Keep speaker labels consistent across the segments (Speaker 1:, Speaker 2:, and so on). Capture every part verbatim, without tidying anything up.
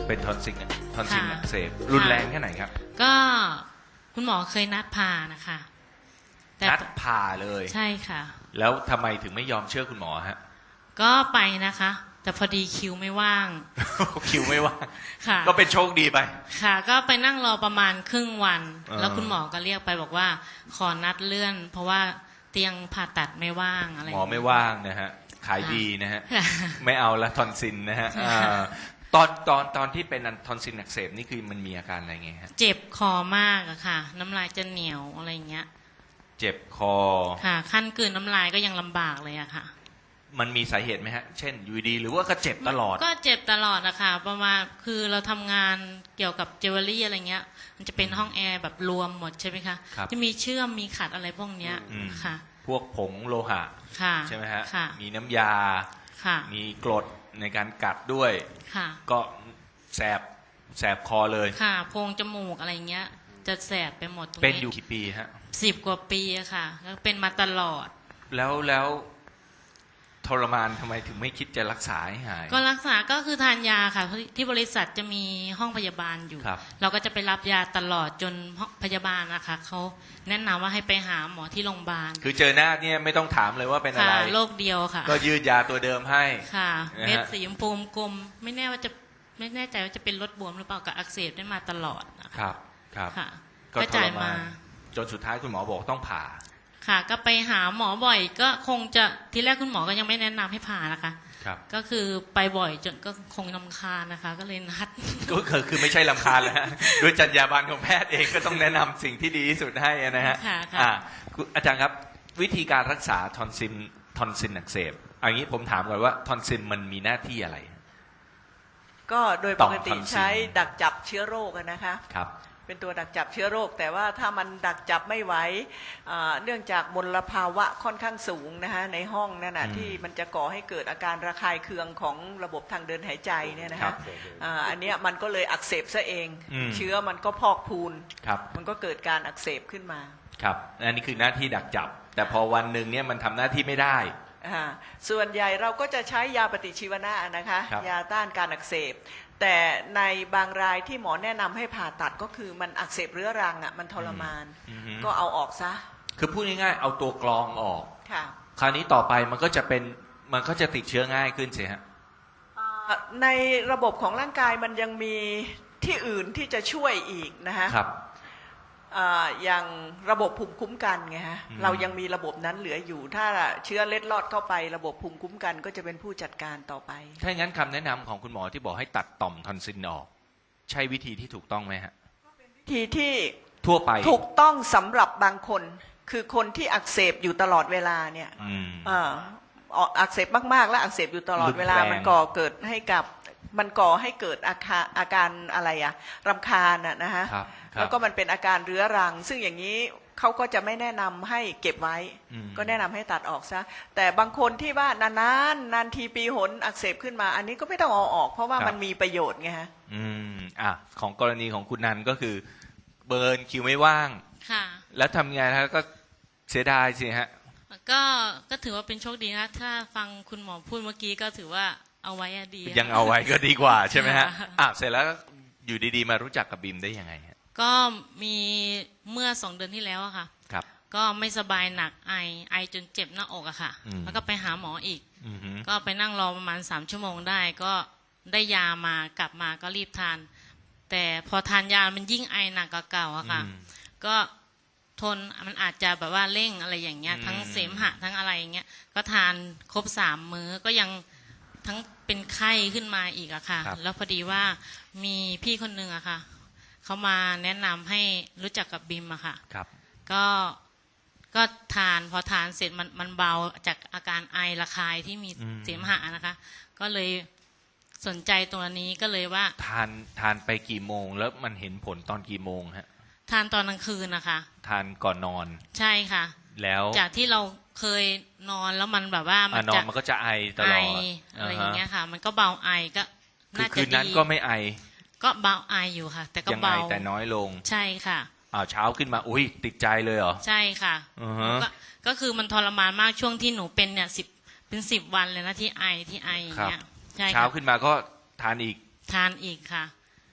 Speaker 1: เป็นทอนซิลทอนซิลอักเสบรุนแรงแค่ไหนครับ
Speaker 2: ก็คุณหมอเคยนัดผ่านะคะ
Speaker 1: นัดผ่าเลย
Speaker 2: ใช่ค่ะ
Speaker 1: แล้วทำไมถึงไม่ยอมเชื่อคุณหมอฮะ
Speaker 2: ก็ไปนะคะแต่พอดีคิวไม่ว่าง
Speaker 1: คิวไม่ว่าง
Speaker 2: ค่ะ
Speaker 1: ก็เป็นโชคดีไป
Speaker 2: ค่ะก็ไปนั่งรอประมาณครึ่งวันแล้วคุณหมอก็เรียกไปบอกว่าขอนัดเลื่อนเพราะว่าเตียงผ่าตัดไม่ว่างอะไร
Speaker 1: หมอไม่ว่างนะฮะขายดีนะฮะไม่เอาละทอนซิลนะฮะตอนตอนตอนที่เป็นทอนซิลอักเสบนี่คือมันมีอาการอะไรไงฮะ
Speaker 2: เจ็บคอมากอะค่ะน้ำลายจะเหนียวอะไรเงี้ย
Speaker 1: เจ็บคอ
Speaker 2: ค่ะขั้นกลืนน้ำลายก็ยังลำบากเลยอะค่ะ
Speaker 1: มันมีสาเหตุไหมฮะเช่นอยู่ดีหรือว่าก็เจ็บตลอด
Speaker 2: ก็เจ็บตลอดอะค่ะประมาณคือเราทำงานเกี่ยวกับเจวเวลรี่อะไรเงี้ยมันจะเป็นห้องแอร์แบบรวมหมดใช่ไหมคะจะมีเชื่อมมีขัดอะไรพวกเนี้ยค่ะ
Speaker 1: พวกผงโลหะใช่ไหมฮะมีน้ำยามีกรดในการกัดด้วยก็แสบแสบคอเลย
Speaker 2: ค่ะโพรงจมูกอะไรเงี้ยจะแสบไปหมด
Speaker 1: เป็นอยู่กี่ปีฮะ
Speaker 2: สิบกว่าปีอะค่ะก็เป็นมาตลอด
Speaker 1: แล้วแล้วทรมานทำไมถึงไม่คิดจะรักษาให้หาย
Speaker 2: ก็รักษาก็คือทานยาค่ะที่บริษัทจะมีห้องพยาบาลอยู่เราก็จะไปรับยาตลอดจนพยาบาลนะคะเขาแนะนำว่าให้ไปหาหมอที่โรงพยาบาล
Speaker 1: คือเจอหน้าเนี่ยไม่ต้องถามเลยว่าเป็นอะไร
Speaker 2: โรคเดียวค่ะ
Speaker 1: ก็ยืดยาตัวเดิมให้
Speaker 2: ค่ะเม็ดสีชมพูกลมไม่แน่ว่าจะไม่แน่ใจว่าจะเป็นรดบวมหรือเปล่ากับอักเสบได้มาตลอด
Speaker 1: ครับครับ
Speaker 2: ก็จ่ายมา
Speaker 1: จนสุดท้ายคุณหมอบอกต้องผ่า
Speaker 2: ค่ะก็ไปหาหมอบ่อยก็คงจะที่แรกคุณหมอก็ยังไม่แนะนำให้ผ่านะคะ
Speaker 1: ครับ
Speaker 2: ก็คือไปบ่อยจนก็คงรำคาญนะคะก็เลยนัด
Speaker 1: ก็คือคือไม่ใช่รำคาญแล้วฮะด้วยจรรยาบรรณของแพทย์เองก็ต้องแนะนำสิ่งที่ดีที่สุดให้นะฮะ
Speaker 2: ค่ะ
Speaker 1: อ่าอาจารย์ครับวิธีการรักษาทอนซิลทอนซิลอักเสบอย่างนี้ผมถามก่อนว่าทอนซิลมันมีหน้าที่อะไร
Speaker 3: ก็โดยปกติใช้ดักจับเชื้อโรคนะคะ
Speaker 1: ครับ
Speaker 3: เป็นตัวดักจับเชื้อโรคแต่ว่าถ้ามันดักจับไม่ไหวเนื่องจากมลภาวะค่อนข้างสูงนะคะในห้องนั่นนะที่มันจะก่อให้เกิดอาการระคายเคืองของระบบทางเดินหายใจเนี่ยนะคะอันนี้มันก็เลยอักเสบซะเองเชื้อมันก็พอกพูนมันก็เกิดการอักเสบขึ้นมา
Speaker 1: ครับอันนี้คือหน้าที่ดักจับแต่พอวันหนึ่งเนี่ยมันทำหน้าที่ไม่ได้
Speaker 3: ส่วนใหญ่เราก็จะใช้ยาปฏิชีวนะนะคะยาต้านการอักเสบแต่ในบางรายที่หมอแนะนำให้ผ่าตัดก็คือมันอักเสบเรื้อรังอ่ะมันทรมานก็เอาออกซะ
Speaker 1: คือพูดง่ายๆเอาตัวกรองออก
Speaker 3: ค่ะ
Speaker 1: คราวนี้ต่อไปมันก็จะเป็นมันก็จะติดเชื้อง่ายขึ้นสิฮะ
Speaker 3: ในระบบของร่างกายมันยังมีที่อื่นที่จะช่วยอีกนะฮะ
Speaker 1: ครับ
Speaker 3: อย่างระบบภูมิคุ้มกันไงฮะเรายังมีระบบนั้นเหลืออยู่ถ้าเชื้อเล็ดลอดเข้าไประบบภูมิคุ้มกันก็จะเป็นผู้จัดการต่อไป
Speaker 1: ถ้างั้นคำแนะนำของคุณหมอที่บอกให้ตัดต่อมทอนซิลออกใช่วิธีที่ถูกต้องไหมฮะ
Speaker 3: วิธีที่
Speaker 1: ทั่วไป
Speaker 3: ถูกต้องสำหรับบางคนคือคนที่อักเสบอยู่ตลอดเวลาเนี่ยอักเสบมากๆและอักเสบอยู่ตลอดเวลามันก่อเกิดให้กับมันก่อให้เกิดอาการอาการอะไรอะรำคาญอะนะฮะแล้วก็มันเป็นอาการเรื้อรังซึ่งอย่างนี้เขาก็จะไม่แนะนำให้เก็บไว้ก็แนะนำให้ตัดออกซะแต่บางคนที่ว่านานๆนานทีปีหนอักเสบขึ้นมาอันนี้ก็ไม่ต้องเอาออกเพราะว่ามันมีประโยชน์ไงฮะ
Speaker 1: อืมอ่ะของกรณีของคุณนันก็คือเบิร์นคิวไม่ว่าง
Speaker 2: ค่ะ
Speaker 1: แล้วทำไงฮะก็เสียดายสิฮะ
Speaker 2: ก็ก็ถือว่าเป็นโชคดีนะถ้าฟังคุณหมอพูดเมื่อกี้ก็ถือว่าเอาไว้ดี
Speaker 1: ยังเอาไว้ก็ดีกว่าใช่ไหมฮะอ่ะเสร็จแล้วอยู่ดีๆมารู้จักกับบิมได้ยังไงฮะ
Speaker 2: ก็มีเมื่อสองเดือนที่แล้วอะค่ะ
Speaker 1: ครับ
Speaker 2: ก็ไม่สบายหนักไอไอจนเจ็บหน้าอกอะค่ะแล้วก็ไปหาหมออีกก็ไปนั่งรอประมาณสามชั่วโมงได้ก็ได้ยามากลับมาก็รีบทานแต่พอทานยามันยิ่งไอหนักกว่าเก่าอะค่ะก็ทนมันอาจจะแบบว่าเร่งอะไรอย่างเงี้ยทั้งเสมหะทั้งอะไรอย่างเงี้ยก็ทานครบสามมื้อก็ยังทั้งเป็นไข้ขึ้นมาอีกอะค่ะแล้วพอดีว่ามีพี่คนนึงอะค่ะเขามาแนะนำให้รู้จักกับบิมอะค่ะก็ก็ทานพอทานเสร็จมันมันเบาจากอาการไอระคายที่มีเสมหะนะคะก็เลยสนใจตรงนี้ก็เลยว่า
Speaker 1: ทานทานไปกี่โมงแล้วมันเห็นผลตอนกี่โมงฮะ
Speaker 2: ทานตอนกลางคืนนะคะ
Speaker 1: ทานก่อนนอน
Speaker 2: ใช่ค่ะ
Speaker 1: แล้ว
Speaker 2: จากที่เราเคยนอนแล้วมันแบบว่า
Speaker 1: มันจะมันก็จะไอตลอด
Speaker 2: อะไรอย่างเงี้ยค่ะมันก็เบาไอก็
Speaker 1: น่าจะดีคืนนั้นก็ไม่ไอ
Speaker 2: ก็เบาไออยู่ค่ะแต่ก็เบา
Speaker 1: แต่น้อยลง
Speaker 2: ใช่ค่ะ
Speaker 1: อ้าวเช้าขึ้นมาอุ้ยติดใจเลยเหรอ
Speaker 2: ใช่ค่ะก็ก็คือมันทรมานมากช่วงที่หนูเป็นเนี่ยสิบเป็นสิบวันเลยนะที่ไอที่ไออย่างเงี้ย
Speaker 1: เช้าขึ้นมาก็ทานอีก
Speaker 2: ทานอีกค่ะ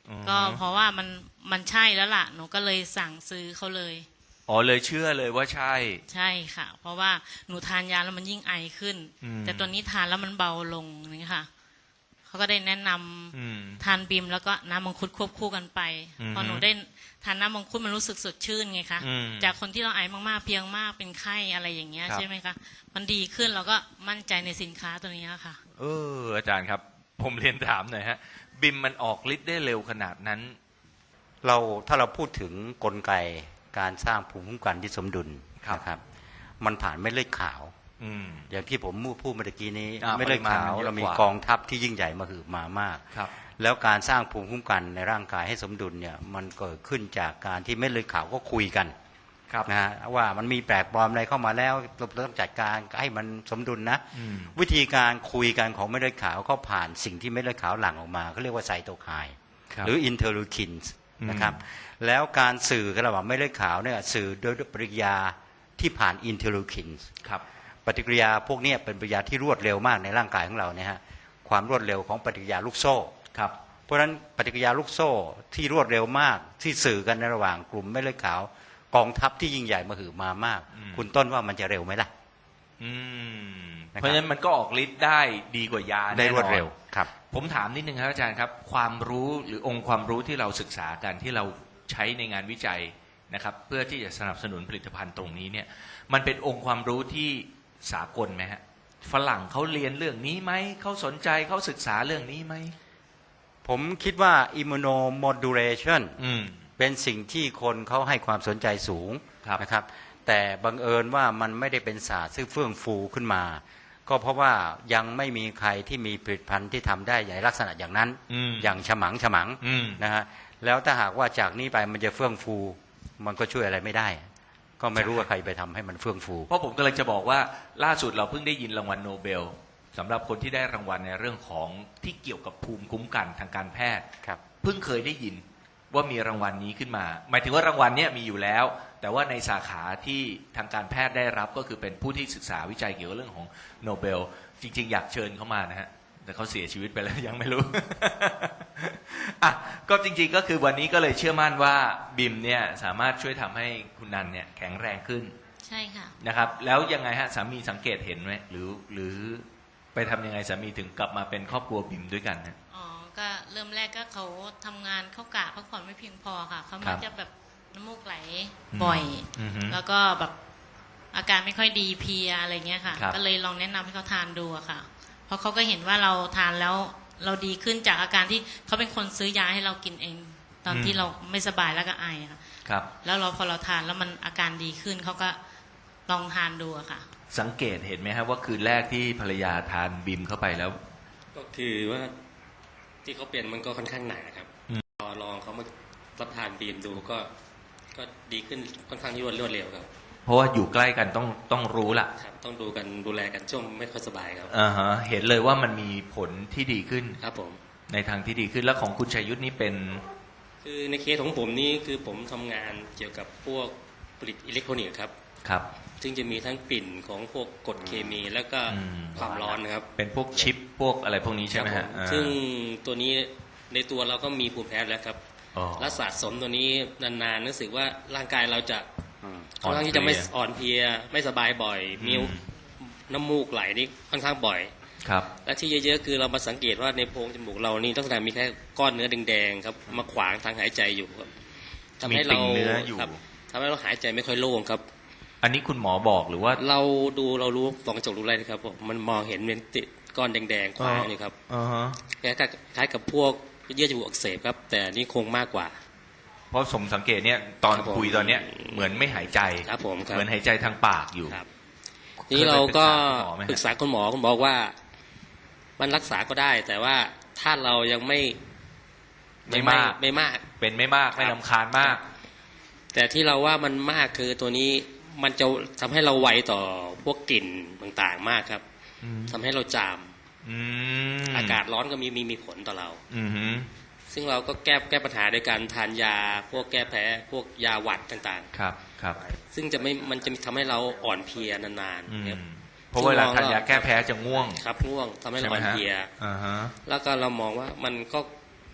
Speaker 2: ก็เพราะว่ามันมันใช่แล้วล่ะหนูก็เลยสั่งซื้อเขาเลย
Speaker 1: อ๋อเลยเชื่อเลยว่าใช่
Speaker 2: ใช่ค่ะเพราะว่าหนูทานยาแล้วมันยิ่งไอขึ้นแต่ตัวนี้ทานแล้วมันเบาลงนี่ค่ะเขาก็ได้แนะนำทานบีมแล้วก็น้ำมังคุดควบคู่กันไปพอหนูได้ทานน้ำมังคุดมันรู้สึกสดชื่นไงคะจากคนที่เราไอมากๆเพียงมากเป็นไข้อะไรอย่างเงี้ยใช่ไหมคะมันดีขึ้นเราก็มั่นใจในสินค้าตัวนี้ค่ะ
Speaker 1: เอออาจารย์ครับผมเรียนถามหน่อยฮะบิมมันออกฤทธิ์ได้เร็วขนาดนั้น
Speaker 4: เราถ้าเราพูดถึงกลไกการสร้างภูมิคุ้มกันที่สมดุลนะครับมันผ่านเม็ดเลือดขาวอย่างที่ผมพูดเมื่อกี้นี้เม็ดเลือดขาวเรามีกองทัพที่ยิ่งใหญ่มาหืบมามากแล้วการสร้างภูมิคุ้มกันในร่างกายให้สมดุลเนี่ยมันเกิดขึ้นจากการที่เม็ดเลือดขาวก็คุยกันนะฮะว่ามันมีแปลกปลอมอะไรเข้ามาแล้วเราต้องจัดการให้มันสมดุลนะวิธีการคุยกันของเม็ดเลือดขาวก็ผ่านสิ่งที่เม็ดเลือดขาวหลั่งออกมาเขาเรียกว่าไซโตไคน์หรืออินเทอร์ลูคินส์นะครับแล้วการสื่อกันระหว่างเม็ดเลือดขาวเนี่ยสื่อโดยปฏิกิริยาที่ผ่านอินเทอร์ลูคินส์ปฏิกิริยาพวกนี้เป็นปฏิกิริยาที่รวดเร็วมากในร่างกายของเราเนี่ยฮะความรวดเร็วของปฏิกิริยาลูกโซ่เพราะฉะนั้นปฏิกิริยาลูกโซ่ที่รวดเร็วมากที่สื่อกันในระหว่างกลุ่มเม็ดเลือดขาวกองทัพที่ยิ่งใหญ่มาหือมามากคุณต้นว่ามันจะเร็วไหมล่ะ
Speaker 1: เพราะฉะนั้นมันก็ออกฤทธิ์ได้ดีกว่ายา
Speaker 4: ได้รวดเร็วครับ
Speaker 1: ผมถามนิดนึงครับอาจารย์ครับความรู้หรือองค์ความรู้ที่เราศึกษากันที่เราใช้ในงานวิจัยนะครับเพื่อที่จะสนับสนุนผลิตภัณฑ์ตรงนี้เนี่ยมันเป็นองค์ความรู้ที่สากลไหมฮะฝรั่งเขาเรียนเรื่องนี้ไหมเขาสนใจเขาศึกษาเรื่องนี้ไหม
Speaker 4: ผมคิดว่า immunomodulation เป็นสิ่งที่คนเขาให้ความสนใจสูงนะครับแต่บังเอิญว่ามันไม่ได้เป็นศาสตร์ซึ่งเฟื่องฟูขึ้นมาก็เพราะว่ายังไม่มีใครที่มีผลิตภัณฑ์ที่ทำได้ในลักษณะอย่างนั้นอย่างฉมังฉมังนะฮะแล้วถ้าหากว่าจากนี้ไปมันจะเฟื่องฟูมันก็ช่วยอะไรไม่ได้ก็ไม่รู้ว่าใครไปทำให้มันเฟื่องฟู
Speaker 1: เพราะผมกำลังจะบอกว่าล่าสุดเราเพิ่งได้ยินรางวัลโนเบลสำหรับคนที่ได้รางวัลในเรื่องของที่เกี่ยวกับภูมิคุ้มกันทางการแพทย์เพิ่งเคยได้ยินว่ามีรางวัลนี้ขึ้นมาหมายถึงว่ารางวัลนี้มีอยู่แล้วแต่ว่าในสาขาที่ทางการแพทย์ได้รับก็คือเป็นผู้ที่ศึกษาวิจัยเกี่ยวกับเรื่องของโนเบลจริงๆอยากเชิญเขามานะฮะแต่เขาเสียชีวิตไปแล้วยังไม่รู้ อ่ะก็จริงๆก็คือวันนี้ก็เลยเชื่อมั่นว่าบิมเนี่ยสามารถช่วยทำให้คุณนันเนี่ยแข็งแรงขึ้น
Speaker 2: ใช่ค่ะ
Speaker 1: นะครับแล้วยังไงฮะสามีสังเกตเห็นไหมหรือหรือไปทำยังไงสามีถึงกลับมาเป็นครอบครัวบิมด้วยกันฮะ
Speaker 2: อ๋อก็เริ่มแรกก็เขาทำงานเข้ากะพักผ่อนไม่เพียงพอค่ะเขามักจะแบบน้ำมูกไหลบ่อยแล้วก็แบบอาการไม่ค่อยดีเพลียอะไรเงี้ยค่ะก็เลยลองแนะนำให้เขาทานดูอะค่ะเพราะเขาก็เห็นว่าเราทานแล้วเราดีขึ้นจากอาการที่เขาเป็นคนซื้อยาให้เรากินเองตอนที่เราไม่สบายแล้วก็ไอค่ะ
Speaker 1: ครับ
Speaker 2: แล้วเราพอเราทานแล้วมันอาการดีขึ้นเขาก็ลองทานดูอะค่ะ
Speaker 1: สังเกตเห็นไหมครับว่าคืนแรกที่ภรรยาทานบิมเข้าไปแล้ว
Speaker 5: ก็คือว่าที่เขาเป็นมันก็ค่อนข้างหนาครับพอลองเขามารับทานบีมดูก็ก็ดีขึ้นค่อนข้างรวดรวดเร็วครับ
Speaker 1: เพราะว่าอยู่ใกล้กันต้องต้องรู้ล่ะ
Speaker 5: ครับต้องดูกันดูแลกันช่วงไม่ค่อยสบายครับ
Speaker 1: อ่าฮะเห็นเลยว่ามันมีผลที่ดีขึ้น
Speaker 5: ครับผม
Speaker 1: ในทางที่ดีขึ้นแล้วของคุณชัยยุทธนี่เป็น
Speaker 5: คือในเคสของผมนี่คือผมทำงานเกี่ยวกับพวกผลิตอิเล็กทรอนิกส์ครับ
Speaker 1: ครับ
Speaker 5: ซึ่งจะมีทั้งกลิ่นของพวกกรดเคมีแล้วก็ความร้อนนะครับ
Speaker 1: เป็นพวกชิปพวกอะไรพวกนี้ใช่ไหมฮะ
Speaker 5: ซึ่งตัวนี้ในตัวเราก็มีภูมิแพ้แล้วครับและสะสมตัวนี้นานๆรู้สึกว่าร่างกายเราจะค่อนข้างที่จะไม่อ่อนเพลียไม่สบายบ่อยมีน้ำมูกไหลนี่ค่อนข้างบ่อย
Speaker 1: ครับ
Speaker 5: และที่เยอะๆคือเรามาสังเกตว่าในโพรงจมูกเรานี่ลักษณะมีแค่ก้อนเนื้อแดงๆครับมาขวางทางหายใจอยู่ครับทำให้เราทำให้เราหายใจไม่ค่อยโล่งครับ
Speaker 1: อันนี้คุณหมอบอกหรือว่า
Speaker 5: เราดูเรารู้ฟองกระจกรู้อะไรนะครับมันมองเห็นเป็นติดก้อนแดงๆขวางอยู่ครับคล้ายกับพวกเยื่อจมูกอักเสบครับแต่นี่คงมากกว่า
Speaker 1: เพราะสมสังเกตเนี่ยตอนคุยตอนเนี้ยเหมือนไม่หายใจ
Speaker 5: ครับผม
Speaker 1: เหมือนหายใจทางปากอยู่
Speaker 5: นี่เราก็ปรึกษาคุณหมอคุณบอกว่ามันรักษาก็ได้แต่ว่าถ้าเรายังไม่
Speaker 1: ไม่มาก
Speaker 5: ไม่มาก
Speaker 1: เป็นไม่มากไม่รำคาญมาก
Speaker 5: แต่ที่เราว่ามันมากคือตัวนี้มันจะทำให้เราไวต่อพวกกลิ่นต่างๆมากครับทำให้เราจามอากาศร้อนก็มีมีมีผลต่อเราซึ่งเราก็แก้แก้ปัญหาด้วยการทานยาพวกแก้แพ้พวกยาหวัดต่าง
Speaker 1: ๆครับครับ
Speaker 5: ซึ่งจะไม่มันจะทำให้เราอ่อนเพลียนาน
Speaker 1: ๆเพราะเวลาทานยาแก้แพ้จะง่วง
Speaker 5: ครับง่วงทำให้เราอ่อนเพลียแล้วก็เรามองว่ามันก็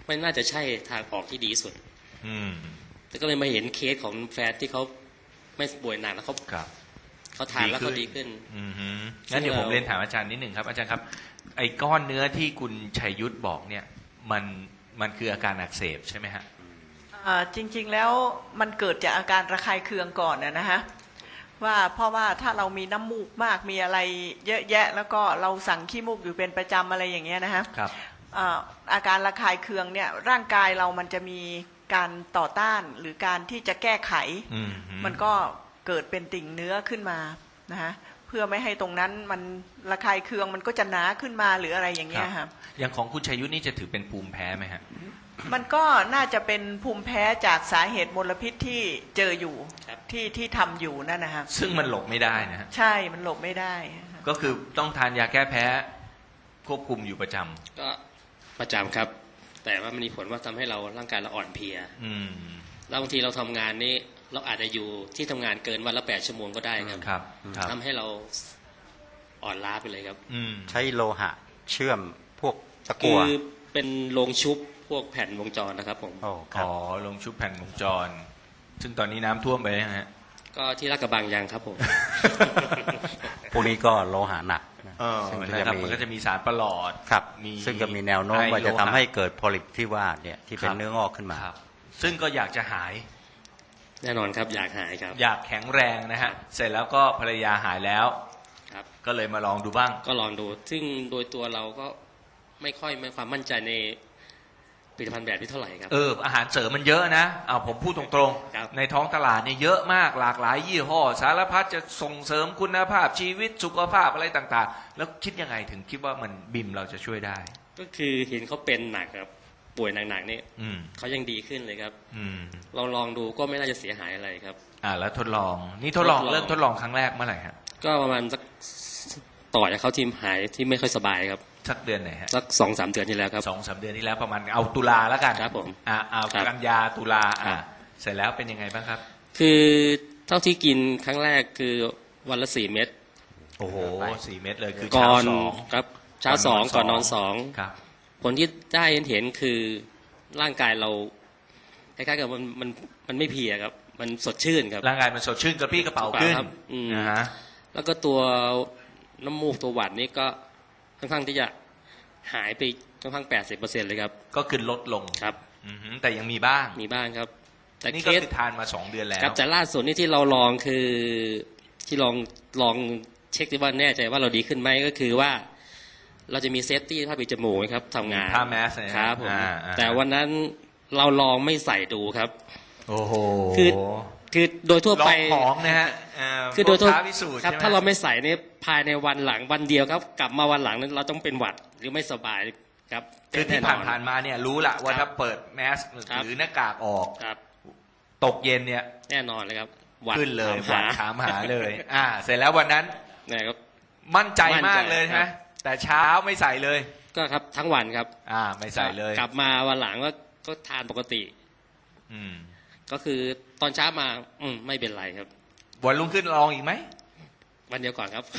Speaker 5: ไม่น่าจะใช่ทางออกที่ดีสุด
Speaker 1: อืม
Speaker 5: แต่ก็เลยมาเห็นเคสของแฟนที่เขาไม่ป่วยหนักแล้วเขา
Speaker 1: ครับ
Speaker 5: เขาทานแล้วเขาดีขึ้น
Speaker 1: อือฮึงั้นเดี๋ยวผมเรียนถามอาจารย์นิดหนึ่งครับอาจารย์ครับไอ้ก้อนเนื้อที่คุณชัยยุทธบอกเนี่ยมันมันคืออาการอักเสบใช่ไหมฮะ
Speaker 3: อ่าจริงๆแล้วมันเกิดจากอาการระคายเคืองก่อนนะนะฮะว่าเพราะว่าถ้าเรามีน้ำมูกมากมีอะไรเยอะแยะแล้วก็เราสั่งขี้มูกอยู่เป็นประจำอะไรอย่างเงี้ยนะฮะ
Speaker 1: ครับ
Speaker 3: อ่าอาการระคายเคืองเนี่ยร่างกายเรามันจะมีการต่อต้านหรือการที่จะแก้ไข
Speaker 1: อืมฮึ
Speaker 3: มันก็เกิดเป็นติ่งเนื้อขึ้นมานะฮะเพื่อไม่ให้ตรงนั้นมันระคายเคืองมันก็จะหนาขึ้นมาหรืออะไรอย่างเงี้ยครับ
Speaker 1: อย่างของคุณชัยยุทธนี่จะถือเป็นภูมิแพ้ไหมฮะ
Speaker 3: มันก็น่าจะเป็นภูมิแพ้จากสาเหตุมลพิษที่เจออยู่
Speaker 5: ครับ
Speaker 3: ที่ที่ทำอยู่นั่นนะฮะ
Speaker 1: ซึ่งมันหลบไม่ได้นะฮะ
Speaker 3: ใช่มันหลบไม่ได้
Speaker 1: ก็คือต้องทานยาแก้แพ้ควบคุมอยู่ประจำ
Speaker 5: ก็ประจำครับ แต่ว่ามันมีผลว่าทำให้เราร่างกายเราอ่อนเพลีย
Speaker 1: อืม
Speaker 5: แล้วบางทีเราทำงานนี่เราอาจจะอยู่ที่ทำงานเกินวันละแปดชั่วโมงก็ได้ครับ
Speaker 1: ครับครับ
Speaker 5: ทำให้เราอ่อนล้าไปเลยครับ
Speaker 1: อืม
Speaker 4: ใช้โลหะเชื่อมพวกตะ
Speaker 5: คื
Speaker 4: กั่ว
Speaker 5: อเป็นโรงชุบพวกแผ่นวงจรนะครับผม
Speaker 4: โอ้ครับ
Speaker 1: อ๋อลงชุบแผ่นวงจร ซึ่งตอนนี้น้ำท่วมไปนะฮะ
Speaker 5: ก็ที่ลาดกระบังยังครับผม
Speaker 4: พวกนี้ก็โลหะหนักนะ
Speaker 1: เออ
Speaker 4: ซึ่ง
Speaker 1: นะครับมันก็จะมีสารประหลอด
Speaker 4: ครับ
Speaker 1: มี
Speaker 4: ซึ่งก็มีแนวโน้ม
Speaker 1: ไอ
Speaker 4: ว่าจะ
Speaker 1: โลห
Speaker 4: ทำให้เกิดโพลิปที่ว่าเนี่ยที่เป็
Speaker 1: คน รับ
Speaker 4: เนื้องอกขึ้นมา
Speaker 1: ครับ ซึ่งก็อยากจะหาย
Speaker 5: แน่นอนครับอยากหายครับ
Speaker 1: อยากแข็งแรงนะฮะ เสร็จแล้วก็ภรรยาหายแล้ว
Speaker 5: ครับ
Speaker 1: ก็เลยมาลองดูบ้าง
Speaker 5: ก็ลองดู ซึ่งโดยตัวเราก็ไม่ค่อยมีความมั่นใจในผลิตภัณฑ์แบบนี้เท่าไหร่ครับ
Speaker 1: เออ อาหารเสริมมันเยอะนะเอาผมพูดตรง
Speaker 5: ครับ
Speaker 1: ๆ ในท้องตลาดเนี่ยเยอะมากหลากหลายยี่ห้อ สารพัดจะส่งเสริมคุณภาพชีวิตสุขภาพอะไรต่างๆ แล้วคิดยังไงถึงคิดว่ามันบิมเราจะช่วยได้
Speaker 5: ก็คือเห็นเขาเป็นหนักครับป่วยหนักๆนี่
Speaker 1: อืม
Speaker 5: เขายังดีขึ้นเลยครับ
Speaker 1: อืม
Speaker 5: เราลองดูก็ไม่น่าจะเสียหายอะไรครับ
Speaker 1: อ่าแล้วทดลอง นี่ทดลอง
Speaker 5: ทดลอง
Speaker 1: เริ่มทดลองครั้งแรกเมื่อไหร่ฮะ
Speaker 5: ก็ประมาณสักต่อจากเขาทีมหายที่ไม่ค่อยสบายครับ
Speaker 1: สักเดือนไหนฮะ
Speaker 5: สักสองสามเดือนที่แล้วครับ
Speaker 1: สองสามเดือนที่แล้วประมาณเอาตุลาแล้วกัน
Speaker 5: ครับผม
Speaker 1: อ่าเอา
Speaker 5: ครับ
Speaker 1: กันยาตุลา
Speaker 5: ครั
Speaker 1: อ่า
Speaker 5: บ
Speaker 1: เสร็จแล้วเป็นยังไงบ้างครับ
Speaker 5: คือเท่าที่กินครั้งแรกคือวันละสี่เม็ด
Speaker 1: โอ้โหสี่เม็ดเลยคือ
Speaker 5: ก่
Speaker 1: เช้า
Speaker 5: อน
Speaker 1: สอง
Speaker 5: ครับเช้าสองก่อนนอนสอง
Speaker 1: ครับ
Speaker 5: ผลที่ได้เห็นคือร่างกายเราคล้ายๆกับมันมันมันไม่เพลียครับ มันสดชื่นครับ
Speaker 1: ร่างกายมันสดชื่นกระปรี้กระเป๋าขึ้น
Speaker 5: ครับอืม
Speaker 1: นะฮะ
Speaker 5: แล้วก็ตัวน้ำมูกตัวหวัดนี่ก็ค่อนข้างที่จะหายไปค่อนข้างแปดสิบเปอร์เซ็นต์เลยครับ
Speaker 1: ก็คือลดลง
Speaker 5: ครับ
Speaker 1: อือหือแต่ยังมีบ้าง
Speaker 5: มีบ้างครับ แต่
Speaker 1: นี่
Speaker 5: เค
Speaker 1: ก็
Speaker 5: ส
Speaker 1: คือทานมาสองเดือนแล้ว
Speaker 5: ครับแต่ล่าสุดนี่ที่เราลองคือที่ลองลองเช็คดูว่าแน่ใจว่าเราดีขึ้นไหมก็คือว่า เราจะมีเซฟตี้ผ้าปิดจมูกไหมครับทำงาน
Speaker 1: ผ้าแมสเนี่ย
Speaker 5: ครับผม
Speaker 1: อ่าอ่า
Speaker 5: แต่วันนั้นเราลองไม่ใส่ดูครับ
Speaker 1: โอ้โห
Speaker 5: คือ คือโดยทั่ว
Speaker 1: ลอ
Speaker 5: ไป
Speaker 1: งของนะฮะเ
Speaker 5: คือโดยทั่ว
Speaker 1: พวกท้าพิสูจน์
Speaker 5: ครับ
Speaker 1: ใช่ไหม
Speaker 5: ถ้าเราไม่ใส่เนี่ยภายในวันหลังวันเดียวครับ กลับมาวันหลังนั้นเราต้องเป็นหวัดหรือไม่สบายครับ
Speaker 1: คือที่
Speaker 5: แอ
Speaker 1: ผ่านผ่านๆมาเนี่ยรู้ละว่า
Speaker 5: ครั
Speaker 1: ถ้า
Speaker 5: บ
Speaker 1: เปิดแมส
Speaker 5: ครับ
Speaker 1: หรือหน้ากากออก
Speaker 5: ครับ
Speaker 1: ตกเย็นเนี่ย
Speaker 5: แน่นอนเลยครับหวัด
Speaker 1: ขึ้นเลยห
Speaker 5: ถา
Speaker 1: วั
Speaker 5: ม
Speaker 1: ด
Speaker 5: หา
Speaker 1: ถามหาเลย อ่า เสร็จแล้ววันนั้น
Speaker 5: เนี่ยครับ
Speaker 1: มั่นใจ
Speaker 5: มั่นใจ
Speaker 1: มากเลย
Speaker 5: ครั
Speaker 1: นะ
Speaker 5: บ
Speaker 1: แต่เช้าไม่ใส่เลย
Speaker 5: ก็ครับทั้งวันครับ
Speaker 1: อ่า ไม่ใส่เลย
Speaker 5: กลับมาวันหลังก็ก็ทานปกติ
Speaker 1: อืม
Speaker 5: ก็คือตอนเช้ามา อืมไม่เป็นไรครับ
Speaker 1: วันรุ่งขึ้นลองอีกไหม
Speaker 5: วันเดียวก่อนครับ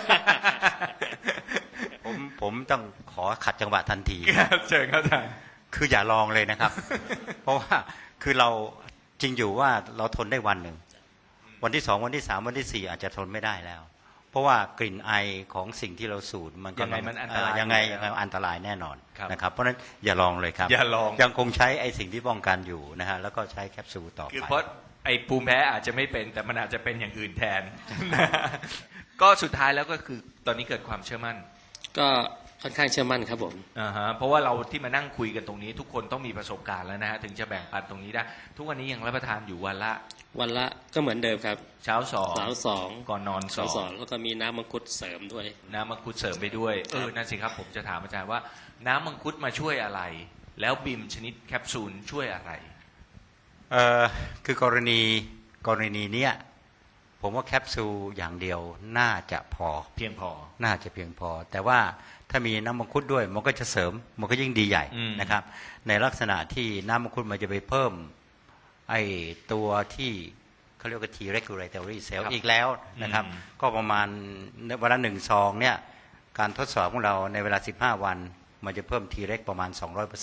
Speaker 4: ผมผมต้องขอขัดจังหวะทันที
Speaker 1: เชิญเข้าใจ
Speaker 4: คืออย่าลองเลยนะครับ เพราะว่าคือเราจริงอยู่ว่าเราทนได้วันหนึ่ง วันที่สองวันที่สามวันที่สี่อาจจะทนไม่ได้แล้ว เพราะว่ากลิ่นไอของสิ่งที่เราสูดมันก็
Speaker 1: ยังไงมันอันตราย
Speaker 4: เยังไง
Speaker 1: อยู่แล้ว
Speaker 4: ยังไงอันตรายแน่นอน
Speaker 1: ครับ
Speaker 4: นะครับ เพราะฉะนั้นอย่าลองเลยครับ
Speaker 1: อย่าลอง
Speaker 4: ยังคงใช้ไอสิ่งที่ป้องกันอยู่นะฮะแล้วก็ใช้แคปซูลต่อ
Speaker 1: คือ
Speaker 4: ไป
Speaker 1: เพราะไอ้ภูมิแพ้อาจจะไม่เป็น แต่มันอาจจะเป็นอย่างอื่นแทน ก็สุดท้ายแล้วก็คือตอนนี้เกิดความเชื่อมั่น
Speaker 5: ก็ค่อนข้างเชื่อมั่นครับผม
Speaker 1: อ่าฮะเพราะว่าเราที่มานั่งคุยกันตรงนี้ ทุกคนต้องมีประสบการณ์แล้วนะฮะถึงจะแบ่งปันตรงนี้ได้ ทุกวันนี้ยังรับประทานอยู่วันละ
Speaker 5: วันละก็เหมือนเดิมครับ
Speaker 1: เช้าสอง
Speaker 5: เช้าสอง
Speaker 1: ก่อนนอนส
Speaker 5: ส
Speaker 1: อ
Speaker 5: อง งสองแล้วก็มีน้ำมังคุดเสริมด้วย
Speaker 1: น้ำมังคุดเสริมไปด้วยเออนั่นสิครับผมจะถามอาจารย์ว่า น้ำมังคุดมาช่วยอะไร แล้วบิมชนิดแคปซูลช่วยอะไร
Speaker 4: เอ่อคือกรณีกรณีเนี้ยผมว่าแคปซูลอย่างเดียวน่าจะพอ
Speaker 1: เพียงพอ
Speaker 4: น่าจะเพียงพอ แต่ว่าถ้ามีน้ำมังคุดด้วยมันก็จะเสริมมันก็ยิ่งดีใหญ่
Speaker 1: อืม
Speaker 4: นะครับ ในลักษณะที่น้ำมังคุดมันจะไปเพิ่มไอ้ตัวที่เขาเรียกว่า T regulatory cell อีกแล้วนะครับ ก็ประมาณวันละหนึ่งซองเนี่ยการทดสอบของเราในเวลาสิบห้าวันมันจะเพิ่ม T reg ประมาณ สองร้อยเปอร์เซ็นต์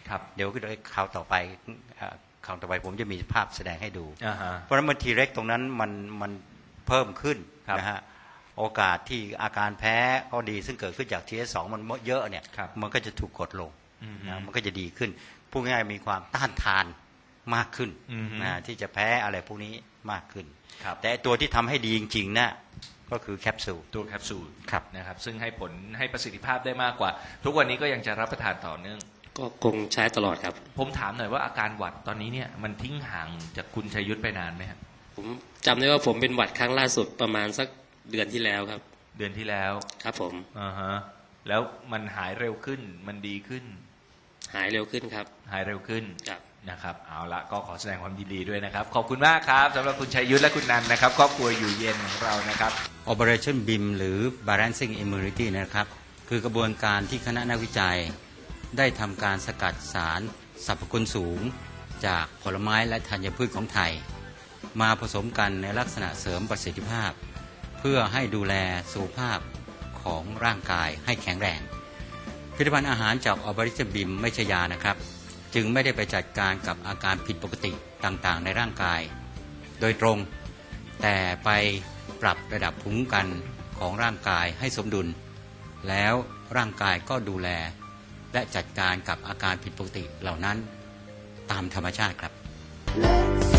Speaker 1: ครับ
Speaker 4: เดี๋ยวคราวต่อไปคราวต่อไปผมจะมีภาพแสดงให้ดู
Speaker 1: อ่าฮะ
Speaker 4: เพราะฉะนั้นมันทีเร็กตรงนั้นมันมันเพิ่มขึ้น
Speaker 1: ครับ
Speaker 4: นะฮะโอกาสที่อาการแพ้ก็ดีซึ่งเกิดขึ้นจาก ที เอส สอง มันเยอะเนี่ย
Speaker 1: ครับ
Speaker 4: มันก็จะถูกกดลง
Speaker 1: อืม
Speaker 4: นะมันก็จะดีขึ้นพูดง่ายๆมีความต้านทานมากขึ้น
Speaker 1: อืม
Speaker 4: นะที่จะแพ้อะไรพวกนี้มากขึ้น
Speaker 1: ครับ
Speaker 4: แต่ตัวที่ทำให้ดีจริงๆนะก็คือแคปซูล
Speaker 1: ตัวแคปซูล
Speaker 4: ครับ
Speaker 1: นะครับซึ่งให้ผลให้ประสิทธิภาพได้มากกว่า ทุกวันนี้ก็ยังจะรับประทานต่อเนื่อง
Speaker 5: ก็คงใช้ตลอดครับ
Speaker 1: ผมถามหน่อยว่าอาการหวัดตอนนี้เนี่ยมันทิ้งห่างจากคุณชัยยุทธไปนานไหมครับ
Speaker 5: ผมจำได้ว่าผมเป็นหวัดครั้งล่าสุดประมาณสักเดือนที่แล้วครับ
Speaker 1: เดือนที่แล้ว
Speaker 5: ครับผม
Speaker 1: อ่าฮะแล้วมันหายเร็วขึ้นมันดีขึ้น
Speaker 5: หายเร็วขึ้นครับ
Speaker 1: หายเร็วขึ้น
Speaker 5: ครับ
Speaker 1: นะครับเอาละก็ขอแสดงความยินดีด้วยนะครับขอบคุณมากครับสำหรับคุณชัยยุทธและคุณนันนะครับครอบครัวอยู่เย็นของเรานะครับ
Speaker 4: Operation บี ไอ เอ็ม หรือ Balancing Immunity นะครับคือกระบวนการที่คณะนักวิจัยได้ทำการสกัดสารสรรพคุณสูงจากผลไม้และธัญพืชของไทย มาผสมกันในลักษณะเสริมประสิทธิภาพ เพื่อให้ดูแลสุขภาพของร่างกายให้แข็งแรงผลิตภัณฑ์อาหารจาก Operation บี ไอ เอ็ม ไม่ใช่ยานะครับจึงไม่ได้ไปจัดการกับอาการผิดปกติต่างๆในร่างกายโดยตรงแต่ไปปรับระดับภูมิคุ้มกันของร่างกายให้สมดุลแล้วร่างกายก็ดูแลและจัดการกับอาการผิดปกติเหล่านั้นตามธรรมชาติครับ